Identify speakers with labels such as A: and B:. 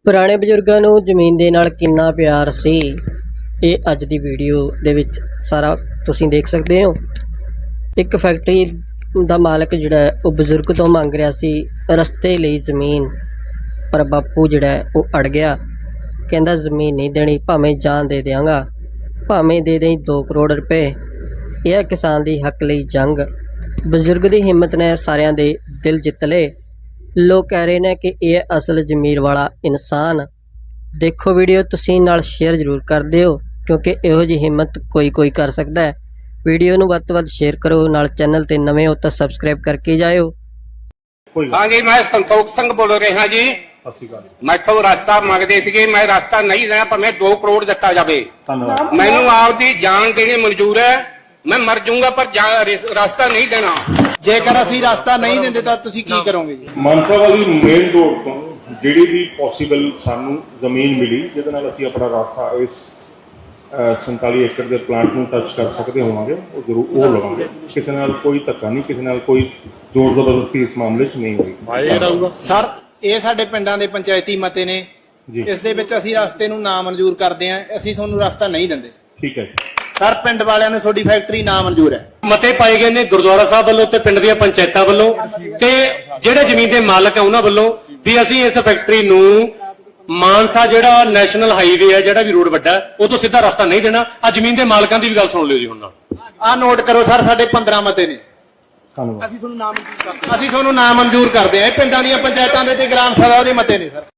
A: ਪੁਰਾਣੇ ਬਜ਼ੁਰਗਾਂ ਨੂੰ ਜ਼ਮੀਨ ਦੇ ਨਾਲ ਕਿੰਨਾ ਪਿਆਰ ਸੀ, ਇਹ ਅੱਜ ਦੀ ਵੀਡੀਓ ਦੇ ਵਿੱਚ ਸਾਰਾ ਤੁਸੀਂ ਦੇਖ ਸਕਦੇ ਹੋ। ਇੱਕ ਫੈਕਟਰੀ ਦਾ ਮਾਲਕ ਜਿਹੜਾ ਹੈ ਉਹ ਬਜ਼ੁਰਗ ਤੋਂ ਮੰਗ ਰਿਹਾ ਸੀ ਰਸਤੇ ਲਈ ਜ਼ਮੀਨ, ਪਰ ਬਾਪੂ ਜਿਹੜਾ ਹੈ ਉਹ ਅੜ ਗਿਆ। ਕਹਿੰਦਾ ਜ਼ਮੀਨ ਨਹੀਂ ਦੇਣੀ, ਭਾਵੇਂ ਜਾਨ ਦੇ ਦਿਆਂਗਾ, ਭਾਵੇਂ ਦੇ ਦੇਈਂ 2 ਕਰੋੜ ਰੁਪਏ। ਇਹ ਹੈ ਕਿਸਾਨ ਦੀ ਹੱਕ ਲਈ ਜੰਗ। ਬਜ਼ੁਰਗ ਦੀ ਹਿੰਮਤ ਨੇ ਸਾਰਿਆਂ ਦੇ ਦਿਲ ਜਿੱਤ ਲਏ। ਲੋਕ ਕਹਿ ਰਹੇ ਨੇ ਕਿ ਇਹ ਅਸਲ ਜ਼ਮੀਰ ਵਾਲਾ ਇਨਸਾਨ। ਦੇਖੋ ਵੀਡੀਓ, ਤੁਸੀਂ ਨਾਲ ਸ਼ੇਅਰ ਜ਼ਰੂਰ ਕਰ ਦਿਓ ਕਿਉਂਕਿ ਇਹੋ ਜਿਹੀ ਹਿੰਮਤ ਕੋਈ ਕਰ ਸਕਦਾ ਹੈ। ਵੀਡੀਓ ਨੂੰ ਵੱਧ ਤੋਂ ਵੱਧ ਸ਼ੇਅਰ ਕਰੋ, ਨਾਲ ਚੈਨਲ ਤੇ ਨਵੇਂ ਹੋ ਤਾਂ ਸਬਸਕ੍ਰਾਈਬ ਕਰਕੇ ਜਾਇਓ।
B: हाँ जी, मैं संतोख सिंह बोल रहा जी। मैथों रास्ता मंगते थे, मैं रास्ता नहीं देना, भावें 2 करोड़ दिता जाए। मैनू आपकी जान देनी मंजूर है, मैं मर जाऊंगा पर रास्ता नहीं देना।
C: जेकर ਅਸੀਂ ਰਾਸਤਾ ਨਹੀਂ ਦਿੰਦੇ ਤਾਂ ਤੁਸੀਂ ਕੀ ਕਰੋਗੇ ਜੀ?
D: ਮਾਨਸਾ ਵਾਲੀ ਮੇਨ ਰੋਡ ਤੋਂ ਜਿਹੜੀ ਵੀ ਪੋਸੀਬਲ ਸਾਨੂੰ ਜ਼ਮੀਨ ਮਿਲੀ ਜਿਹਦੇ ਨਾਲ ਅਸੀਂ ਆਪਣਾ ਰਾਸਤਾ ਇਸ 47 ਏਕੜ ਦੇ ਪਲਾਂਟ ਨੂੰ ਟੱਚ ਕਰ ਸਕਦੇ ਹੋਵਾਂਗੇ, ਉਹ ਜ਼ਰੂਰ ਉਹ ਲਵਾਂਗੇ। ਕਿਸੇ ਨਾਲ ਕੋਈ ਧੱਕਾ ਨਹੀਂ, ਕਿਸੇ ਨਾਲ ਕੋਈ ਜ਼ੋਰ ਜ਼ਬਰਦਸਤੀ ਇਸ ਮਾਮਲੇ 'ਚ ਨਹੀਂ ਹੋਈ।
C: ਸਰ, ਇਹ ਸਾਡੇ ਪਿੰਡਾਂ ਦੇ ਪੰਚਾਇਤੀ ਮਤੇ ਨੇ, ਇਸ ਦੇ ਵਿੱਚ ਅਸੀਂ ਰਸਤੇ ਨੂੰ ਨਾ ਮਨਜ਼ੂਰ ਕਰਦੇ ਆਂ। ਅਸੀਂ ਤੁਹਾਨੂੰ ਰਸਤਾ ਨਹੀਂ ਦਿੰਦੇ।
D: ਠੀਕ ਹੈ
C: ਸਰ, ਪਿੰਡ ਵਾਲਿਆਂ ਨੂੰ ਤੁਹਾਡੀ ਫੈਕਟਰੀ ਨਾ ਮਨਜ਼ੂਰ ਹੈ।
E: ਮਤੇ ਪਾਏ ਗਏ ਨੇ ਗੁਰਦੁਆਰਾ ਸਾਹਿਬ ਵੱਲੋਂ ਤੇ ਪਿੰਡ ਦੀਆਂ ਪੰਚਾਇਤਾਂ ਵੱਲੋਂ ਤੇ ਜਿਹੜੇ ਜ਼ਮੀਨ ਦੇ ਮਾਲਕ ਆ ਉਹਨਾਂ ਵੱਲੋਂ ਵੀ ਅਸੀਂ ਇਸ ਫੈਕਟਰੀ ਨੂੰ ਮਾਨਸਾ ਜਿਹੜਾ ਨੈਸ਼ਨਲ ਹਾਈਵੇ ਹੈ, ਜਿਹੜਾ ਵੀ ਰੋਡ ਵੱਡਾ, ਉਹ ਤੋਂ ਸਿੱਧਾ ਰਸਤਾ ਨਹੀਂ ਦੇਣਾ। ਆ ਜ਼ਮੀਨ ਦੇ ਮਾਲਕਾਂ ਦੀ ਵੀ ਗੱਲ ਸੁਣ ਲਿਓ ਜੀ ਹੁਣ ਨਾਲ।
C: ਆਹ ਨੋਟ ਕਰੋ ਸਰ, ਸਾਡੇ 15 ਮਤੇ ਨੇ।
D: ਧੰਨਵਾਦ।
C: ਅਸੀਂ ਤੁਹਾਨੂੰ ਨਾ ਮਨਜ਼ੂਰ ਕਰਦੇ ਆਂ। ਇਹ ਪਿੰਡਾਂ ਦੀਆਂ ਪੰਚਾਇਤਾਂ ਦੇ ਤੇ ਗ੍ਰਾਮ ਸਭਾ ਦੇ ਮਤੇ ਨੇ ਸਰ।